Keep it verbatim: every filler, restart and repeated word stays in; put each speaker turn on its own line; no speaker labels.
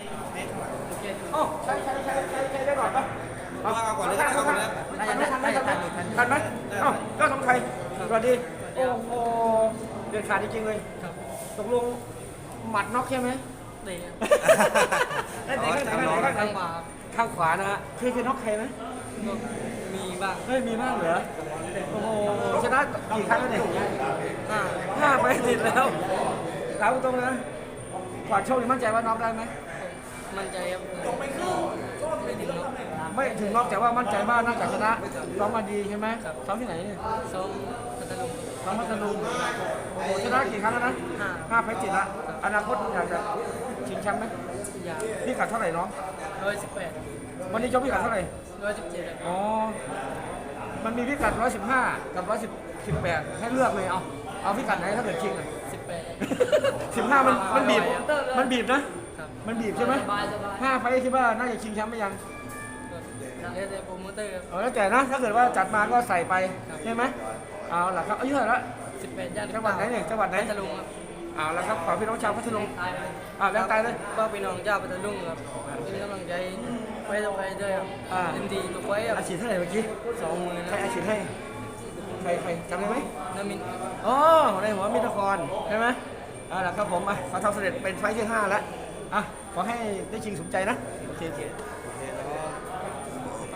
อ๋อใช้ใช้ใช้ใช้ใช้ได้ก่อนปะ
เอาเอาก่อนเลยก็ได้เอาก่อนเลย
ทันไหมทันไหมทันไหมทันไหมเอ้าก็สองไทยสวัสดีโอ้โหเด็ดขาดจริงๆเลยตกลงหมัดน็อกใช่ไหม
เตะ
เอ้ยไหนข้างไหนข้างไหนข้างไหน
ข้างขวา
ข้างขวานะฮะเคยเคยน็อกใครไหม
ก็มีบ้าง
เฮ้ยมีมากเหรอโอ้โหชนะกี่ครั้งแล้วเนี่ย
ห้า
ห้าไปติดแล้วถามตรงๆนะก่อนโชคนี่มั่นใจว่าน็อกได้ไหม
มั่นใจครับไม่ถึงหรอก
ไม่ถึงน็อกแต่ว่ามั่นใจว่าน่าจะชนะซ้อมมาดีใช่ไหมซ้อมที่ไหนเนี่ย
ซ้อมพัทลุง
ซ้อมพัทลุงโอ้โหชนะกี่ครั้งแล้วนะ
ห้า
ห้าไฟติดละอนาคตอยากจะชิงแชมป์ไหม
อยาง
พี่กัดเท่าไหร่น้อง
ร้อยสิบแปด
วันนี้ชกพี่กัดเท่าไหร่
ร้อยสิบเจ็ด
อ๋อมันมีพิกัดร้อยสิบห้ากับร้อยสิบสิบแปดให้เลือกเลยเอาเอาพิกัดไหนถ้าเกิดชิงอ่ะ
สิบแปด
สิบห้ามันมันบีบมันบีบนะ
ครับ
มันบีบใช่ไหม
สบายสบาย
ห้าไฟคิดว่าน่าจะชิงแชมป์ไหมยัง
เรียกแต่โปรโมเตอร์
เอาแล้วแต่นะ ถ้าเกิดว่าจัดมาก็ใส่ไปใช่ไหมเอาล่ะครับอายุเท่าไหร่ละ
สิบแปดย่าน
จังหวัดไหนเนี่ยจังหวัดไหน
พัทลุงครับ
เอาละครับขอพี่น้องชาวพัทลุง
ตายไป
อ่าแรงตายเลย
ก็พี่น้องเจ้าพัทลุงครับเป็นกำลังใจไว้ต่อไปด้วยครับ
อ่า
เต็มที่ทุกไว้ครับ
อาชีพเท่าไหร่เมื่อกี้
สองมือ
ใคร
นะ
อาชีพให้ใครใครจำได้ไหม
น้ำมิน
อ๋อในหัวมิตรครใช่ไหมเอาล่ะครับผมอ่ะขอทำเสร็จเป็นไฟล์ที่ห้าแล้วอ่ะขอให้ได้ชิงสมใจนะโอเคโอเค